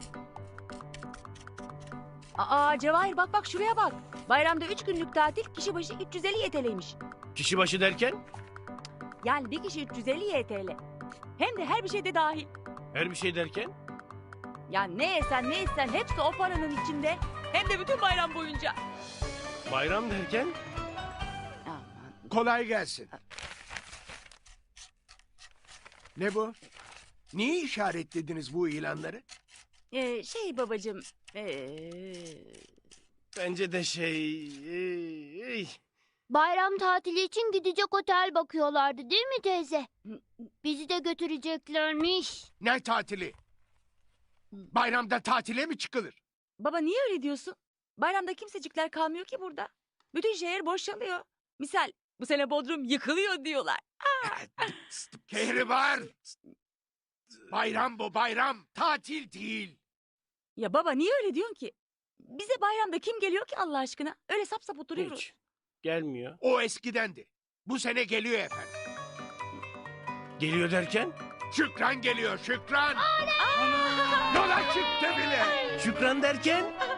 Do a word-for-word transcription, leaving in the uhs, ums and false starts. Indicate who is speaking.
Speaker 1: Aa Cevahir bak bak şuraya bak. Bayramda üç günlük tatil kişi başı üç yüz elli Y T L'ymiş.
Speaker 2: Kişi başı derken
Speaker 1: Yani bir kişi üç yüz elli Y T L. Hem de her bir şeyde dahil.
Speaker 2: her bir şey derken
Speaker 1: Ya ne yesen ne içsen hepsi o paranın içinde. Hem de bütün bayram boyunca.
Speaker 2: bayram derken
Speaker 1: Aman.
Speaker 3: Kolay gelsin. Ne bu? Niye işaretlediniz bu ilanları?
Speaker 1: Ee, şey babacığım. Ee...
Speaker 2: bence de şey ey,
Speaker 4: Bayram tatili için gidecek otel bakıyorlardı değil mi teyze? Bizi de götüreceklermiş.
Speaker 3: Ne tatili? Bayramda tatile mi çıkılır?
Speaker 1: Baba niye öyle diyorsun? Bayramda kimsecikler kalmıyor ki burada. Bütün şehir boşalıyor. Misal bu sene Bodrum yıkılıyor diyorlar.
Speaker 3: Kehribar! Bayram bu bayram, tatil değil.
Speaker 1: Ya baba niye öyle diyorsun ki? Bize bayramda kim geliyor ki Allah aşkına? Öyle sap sap oturuyoruz.
Speaker 2: hiç gelmiyor.
Speaker 3: O eskidendi. Bu sene geliyor efendim.
Speaker 2: Geliyor derken
Speaker 3: Şükran geliyor, Şükran! Yola çıktı bile!
Speaker 2: Şükran derken